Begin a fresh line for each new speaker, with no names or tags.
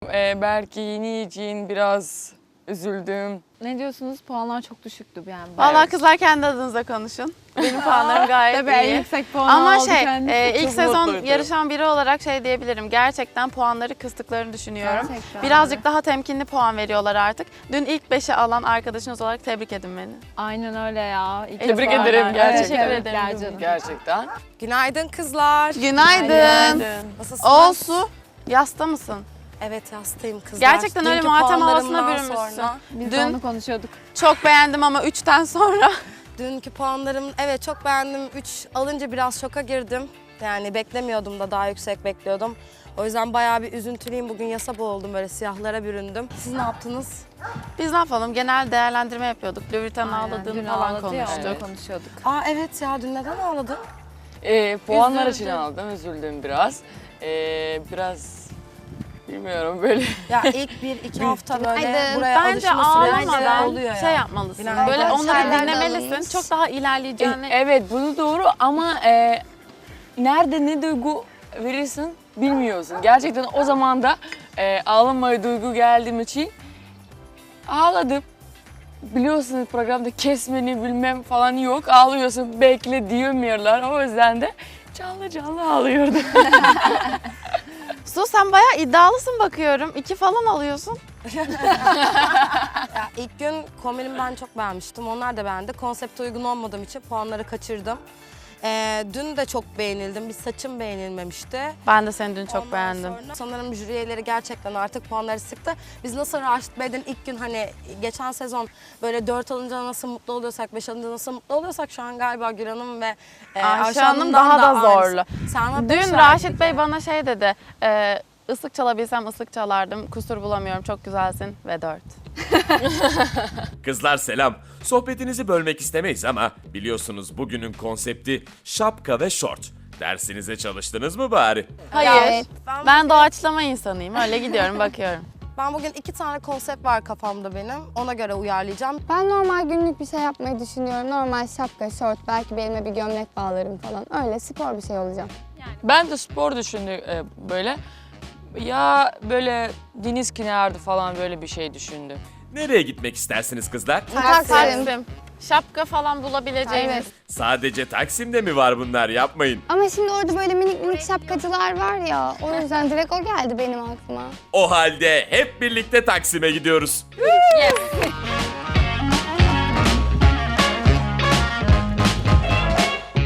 Belki yeni için biraz üzüldüm.
Ne diyorsunuz? Puanlar çok düşüktü yani.
Vallahi kızlar kendi adınıza konuşun. Benim puanlarım gayet
Tabii en
iyi.
yüksek puan
Ama
aldı
şey,
kendisi.
ilk
Çok
sezon
mutluydu.
yarışan biri olarak şey diyebilirim. Gerçekten puanları kıstıklarını düşünüyorum.
Gerçekten
Birazcık daha temkinli puan veriyorlar artık. Dün ilk 5'i alan arkadaşınız olarak tebrik edin beni.
Aynen öyle ya. İlk
Tebrik
defa
ederim
öyle.
gerçekten.
Evet,
Teşekkür ederim.
gel canım.
Gerçekten.
Günaydın kızlar.
Günaydın.
Nasılsınız?
Olsu, yasta mısın?
Evet yastayım kızlar.
Gerçekten öyle
Dünkü
matem havasına
puanlarımdan
bürünmüşsün.
sonra-
Biz
Dün-
de onu konuşuyorduk.
Çok beğendim ama 3'ten sonra.
Dünkü puanlarım evet çok beğendim. 3 alınca biraz şoka girdim. Yani beklemiyordum da daha yüksek bekliyordum. O yüzden bayağı bir üzüntülüyüm. Bugün yasa boğuldum böyle siyahlara büründüm. Siz ne yaptınız?
Biz ne yapalım? Genel değerlendirme yapıyorduk. Louis Vuitton'un
Aynen,
ağladığını
dün
falan
ağladı ya,
konuştuk.
onu konuşuyorduk.
Aa evet ya dün neden ağladın?
Puanlar için
Üzüldüm.
aldım, üzüldüm biraz. Biraz bilmiyorum böyle.
Ya ilk 1-2 hafta böyle
Günaydın.
buraya
Bence
alışma süreci
ağlamadan
oluyor
şey
ya.
yapmalısın.
Günaydın.
Böyle onları
Çaylar da
dinlemelisin.
alınmış.
Çok daha ilerleyeceğini.
Evet, bunu doğru ama nerede ne duygu verirsin bilmiyorsun. Gerçekten o zaman da ağlamaya duygu geldiğim için ağladım. Biliyorsunuz programda kesmeni bilmem falan yok. Ağlıyorsun, bekle diyemiyorlar. O yüzden de canlı canlı ağlıyordum.
Su sen bayağı iddialısın bakıyorum. 2 falan alıyorsun.
Ya ilk gün kombinimi ben çok beğenmiştim. Onlar da beğendi. Konsepte uygun olmadığım için puanları kaçırdım. Dün de çok beğenildim. Bir saçım beğenilmemişti.
Ben de seni dün çok
Ondan
beğendim.
sonra sanırım jüri üyeleri gerçekten artık puanları sıktı. Biz nasıl Raşit Bey'den ilk gün hani geçen sezon böyle 4 alınca nasıl mutlu oluyorsak, 5 alınca nasıl mutlu oluyorsak şu an galiba Gül Hanım ve
Ayşe Hanım
Hanım'dan
daha da
aynısı.
zorlu.
Sana beş
Dün
verdik
Raşit Bey
ya.
bana şey dedi. Islık çalabilsem ıslık çalardım. Kusur bulamıyorum. Çok güzelsin ve 4.
Kızlar selam. Sohbetinizi bölmek istemeyiz ama biliyorsunuz bugünün konsepti şapka ve şort. Dersinize çalıştınız mı bari?
Hayır.
Evet.
Ben doğaçlama insanıyım. Öyle gidiyorum bakıyorum.
Ben bugün 2 tane konsept var kafamda benim. Ona göre uyarlayacağım.
Ben normal günlük bir şey yapmayı düşünüyorum. Normal şapka, şort, belki belime bir gömlek bağlarım falan. Öyle spor bir şey olacağım.
Ben de spor düşündüm böyle. Ya böyle deniz kenarı falan böyle bir şey düşündüm.
Nereye gitmek istersiniz kızlar?
Taksim. Şapka falan bulabileceğimiz.
Evet.
Sadece Taksim'de mi var bunlar? Yapmayın.
Ama şimdi orada böyle minik minik şapkacılar var ya. O yüzden direkt o geldi benim aklıma.
O halde hep birlikte Taksim'e gidiyoruz.
Yes.